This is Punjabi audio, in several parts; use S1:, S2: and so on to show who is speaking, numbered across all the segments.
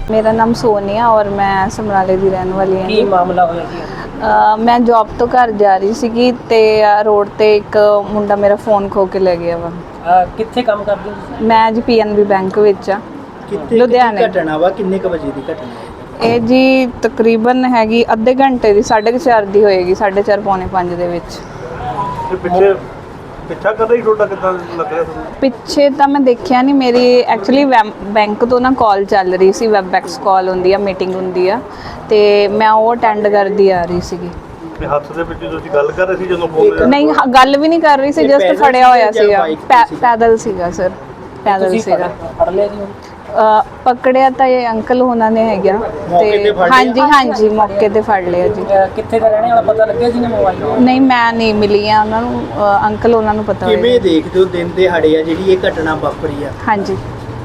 S1: मेरा नाम सोनिया और मैं समराले ਦੀ ਰਹਿਣ ਵਾਲੀ ਹਾਂ।
S2: ਕੀ ਮਾਮਲਾ ਹੋਇਆ ਜੀ?
S1: ਮੈਂ ਜੌਬ ਤੋਂ ਘਰ ਜਾ ਰਹੀ ਸੀਗੀ ਤੇ ਰੋਡ ਤੇ ਇੱਕ ਮੁੰਡਾ ਮੇਰਾ ਫੋਨ ਖੋ ਕੇ ਲੈ ਗਿਆ ਵਾ।
S2: ਕਿੱਥੇ ਕੰਮ ਕਰਦੇ ਹੋ?
S1: ਮੈਂ ਜੀ ਪੀਐਨਬੀ ਬੈਂਕ ਵਿੱਚ ਆ।
S3: ਕਿੱਥੇ
S1: ਲੁਧਿਆਣੇ।
S3: ਘਟਨਾ ਵਾ ਕਿੰਨੇ ਕ ਵਜੇ ਦੀ ਘਟਨਾ ਹੈ?
S1: ਇਹ ਜੀ ਤਕਰੀਬਨ ਹੈਗੀ ਅੱਧੇ ਘੰਟੇ ਦੀ 4:30 ਦੀ ਹੋਏਗੀ 4:30 ਪੌਣੇ 5 ਦੇ ਵਿੱਚ।
S4: ਪਿੱਛਾ ਕਰ ਰਹੀ ਤੁਹਾਡਾ ਕਿੱਦਾਂ ਲੱਗ ਰਿਹਾ ਤੁਹਾਨੂੰ?
S1: ਪਿੱਛੇ ਤਾਂ ਮੈਂ ਦੇਖਿਆ ਨਹੀਂ, ਮੇਰੀ ਐਕਚੁਅਲੀ ਬੈਂਕ ਤੋਂ ਨਾ ਕਾਲ ਚੱਲ ਰਹੀ ਸੀ, ਵੈਬਐਕਸ ਕਾਲ ਹੁੰਦੀ ਆ, ਮੀਟਿੰਗ ਹੁੰਦੀ ਆ ਤੇ ਮੈਂ ਉਹ ਅਟੈਂਡ ਕਰਦੀ ਆ ਰਹੀ ਸੀਗੀ।
S4: ਤੇ ਹੱਥ ਦੇ ਵਿੱਚ ਤੁਸੀਂ ਗੱਲ ਕਰ ਰਹੇ ਸੀ ਜਦੋਂ ਫੋਨ
S1: ਨਹੀਂ ਗੱਲ ਵੀ ਨਹੀਂ ਕਰ ਰਹੀ ਸੀ, ਜਸਟ ਫੜਿਆ ਹੋਇਆ ਸੀਗਾ। ਪੈਦਲ ਸੀਗਾ ਸਰ, ਪੈਦਲ
S2: ਤੁਸੀਂ
S1: ਸੀਗਾ।
S2: ਫੜ ਲਿਆ ਜੀ?
S1: ਪਕੜਿਆ ਤਾਂ ਇਹ ਅੰਕਲ ਉਹਨਾਂ ਨੇ ਹੈਗਾ ਤੇ ਹਾਂਜੀ ਹਾਂਜੀ ਮੌਕੇ ਤੇ ਫੜ ਲਿਆ ਜੀ।
S2: ਕਿੱਥੇ ਦਾ ਰਹਿਣੇ ਵਾਲਾ ਪਤਾ ਲੱਗਿਆ ਜੀ ਨੇ ਮੋਬਾਈਲ?
S1: ਨਹੀਂ ਮੈਂ ਨਹੀਂ ਮਿਲੀ ਆ ਉਹਨਾਂ ਨੂੰ, ਅੰਕਲ ਉਹਨਾਂ ਨੂੰ ਪਤਾ
S3: ਕਿਵੇਂ
S1: ਹੋਏਗਾ।
S3: ਦੇਖਦੇ ਹੋ ਦਿਨ ਦਿਹਾੜੇ ਆ ਜਿਹੜੀ ਇਹ ਘਟਨਾ ਵਾਪਰੀ ਆ?
S1: ਹਾਂਜੀ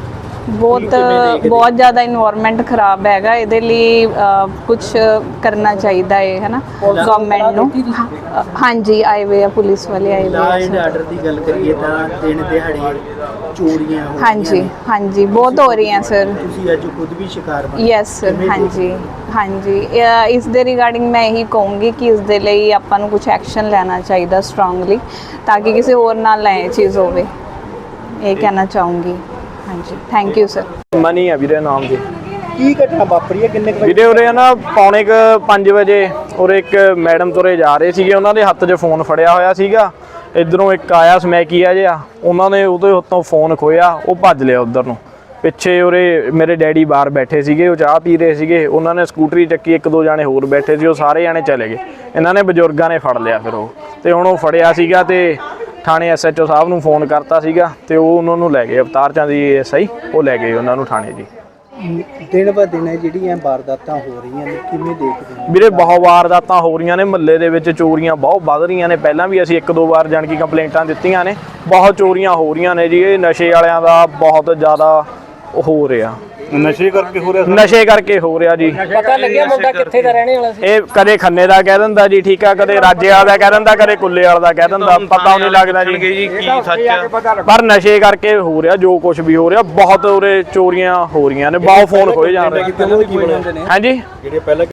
S1: ਬਹੁਤ ਜ਼ਿਆਦਾ ਇਨਵਾਇਰਨਮੈਂਟ ਖਰਾਬ ਹੈਗਾ, ਇਹਦੇ ਲਈ ਕੁਝ ਕਰਨਾ ਚਾਹੀਦਾ ਹੈ ਹੈਨਾ ਗਵਰਨਮੈਂਟ ਨੂੰ। ਹਾਂਜੀ ਆਏ ਹੋਏ ਆ, ਪੁਲਿਸ ਵਾਲੇ ਆਏ
S3: ਲਾ
S1: ਹੋਏ
S3: ਐਂਡ
S1: ਆ।
S3: ਆਰਡਰ ਦੀ ਗੱਲ ਕਰੀਏ ਤਾਂ ਦਿਨ ਦਿਹਾੜੇ ਚੋਰੀਆਂ ਹੋ
S1: ਹਾਂਜੀ
S3: ਰਹੀਆਂ ਨੇ।
S1: ਹਾਂਜੀ ਬਹੁਤ ਹੋ ਰਹੀਆਂ ਸਰ।
S3: ਤੁਸੀਂ ਅੱਜ ਖੁਦ ਵੀ ਸ਼ਿਕਾਰ ਬਣੇ।
S1: Yes sir. ਹਾਂਜੀ ਹਾਂਜੀ ਇਸ ਦੇ ਰਿਗਾਰਡਿੰਗ ਮੈਂ ਇਹੀ ਕਹੂੰਗੀ ਕਿ ਇਸ ਦੇ ਲਈ ਆਪਾਂ ਨੂੰ ਕੁਝ ਐਕਸ਼ਨ ਲੈਣਾ ਚਾਹੀਦਾ ਸਟਰੋਂਗਲੀ, ਤਾਂ ਕਿ ਕਿਸੇ ਹੋਰ ਨਾਲ ਨਾ ਇਹ ਚੀਜ਼ ਹੋਵੇ। ਇਹ ਕਹਿਣਾ ਚਾਹੂੰਗੀ। ਹਾਂਜੀ ਥੈਂਕ ਯੂ ਸਰ।
S5: ਮਨੀ ਆ ਵੀਰੇ ਨਾਮ ਜੀ।
S3: ਕੀ ਘਟਨਾ ਵਾਪਰੀ ਹੈ? ਕਿੰਨੇ ਕ ਵਜੇ?
S5: ਵੀਰੇ ਉਰੇ ਨਾ ਪੌਣੇ 5 ਵਜੇ ਉਰੇ ਇੱਕ ਮੈਡਮ ਤੁਰੇ ਜਾ ਰਹੇ ਸੀਗੇ, ਉਹਨਾਂ ਦੇ ਹੱਥ 'ਚ ਫੋਨ ਫੜਿਆ ਹੋਇਆ ਸੀਗਾ। ਇੱਧਰੋਂ ਇੱਕ ਆਇਆ ਸਮੈਕੀਆ ਜਿਹਾ, ਉਹਨਾਂ ਨੇ ਉਹਦੇ ਹੱਥੋਂ ਫੋਨ ਖੋਇਆ, ਉਹ ਭੱਜ ਲਿਆ ਉੱਧਰ ਨੂੰ। ਪਿੱਛੇ ਉਰੇ ਮੇਰੇ ਡੈਡੀ ਬਾਹਰ ਬੈਠੇ ਸੀਗੇ, ਉਹ ਚਾਹ ਪੀ ਰਹੇ ਸੀਗੇ, ਉਹਨਾਂ ਨੇ ਸਕੂਟਰੀ ਚੱਕੀ, 1-2 ਜਾਣੇ ਹੋਰ ਬੈਠੇ ਸੀ, ਉਹ ਸਾਰੇ ਜਾਣੇ ਚਲੇ ਗਏ। ਇਹਨਾਂ ਨੇ ਬਜ਼ੁਰਗਾਂ ਨੇ ਫੜ ਲਿਆ ਫਿਰ ਉਹ, ਤੇ ਹੁਣ ਉਹ ਫੜਿਆ ਸੀਗਾ ਤੇ ਥਾਣੇ ਐਸਐਚਓ ਸਾਹਿਬ ਨੂੰ ਫੋਨ ਕਰਤਾ ਸੀਗਾ ਤੇ ਉਹ ਉਹਨਾਂ ਨੂੰ ਲੈ ਗਏ, ਅਵਤਾਰ ਚੰਦ ਜੀ ਐਸਆਈ, ਉਹ ਲੈ ਗਏ ਉਹਨਾਂ ਨੂੰ ਥਾਣੇ ਜੀ।
S3: ਦਿਨ ਬ ਦਿਨ ਜਿਹੜੀਆਂ ਵਾਰਦਾਤਾਂ ਹੋ ਰਹੀਆਂ ਨੇ ਕਿਵੇਂ ਦੇਖਦੇ ਹੋ?
S5: ਵੀਰੇ ਬਹੁਤ ਵਾਰਦਾਤਾਂ ਹੋ ਰਹੀਆਂ ਨੇ, ਮਹੱਲੇ ਦੇ ਵਿੱਚ ਚੋਰੀਆਂ ਬਹੁਤ ਵੱਧ ਰਹੀਆਂ ਨੇ। ਪਹਿਲਾਂ ਵੀ ਅਸੀਂ 1-2 ਵਾਰ ਜਾਣ ਕੀ ਕੰਪਲੇਂਟਾਂ ਦਿੱਤੀਆਂ ਨੇ, ਬਹੁਤ ਚੋਰੀਆਂ ਹੋ ਰਹੀਆਂ ਨੇ ਜੀ। ਇਹ ਨਸ਼ੇ ਵਾਲਿਆਂ ਦਾ ਬਹੁਤ ਜ਼ਿਆਦਾ ਹੋ ਰਿਹਾ,
S4: ਨਸ਼ੇ ਕਰਕੇ ਹੋ ਰਿਹਾ?
S5: ਨਸ਼ੇ ਕਰਕੇ ਹੋ ਰਿਹਾ ਜੀ।
S2: ਪਤਾ ਲੱਗਿਆ ਮੁੰਡਾ ਕਿੱਥੇ ਦਾ ਰਹਿਣੇ ਵਾਲਾ ਸੀ?
S5: ਇਹ ਕਦੇ ਖੰਨੇ ਦਾ ਕਹਿ ਦਿੰਦਾ ਜੀ, ਠੀਕ ਆ, ਕਦੇ ਰਾਜੇ ਵਾਲਾ ਦਾ ਕਹਿ ਦਿੰਦਾ, ਕਦੇ ਕੁੱਲੇ ਵਾਲਾ ਦਾ ਕਹਿ ਦਿੰਦਾ, ਪਤਾ ਨਹੀਂ ਲੱਗਦਾ ਜੀ
S4: ਕੀ ਸੱਚ।
S5: ਪਰ ਨਸ਼ੇ ਕਰਕੇ ਹੋ ਰਿਹਾ ਜੋ ਕੁਝ ਵੀ ਹੋ ਰਿਹਾ। ਬਹੁਤ ਉਰੇ ਚੋਰੀਆਂ ਹੋ ਰਹੀਆਂ ਨੇ, ਬਹੁਤ ਫੋਨ ਖੋਏ ਜਾ ਰਹੇ। ਹਾਂਜੀ
S4: ਜਿਹੜੇ ਪਹਿਲਾਂ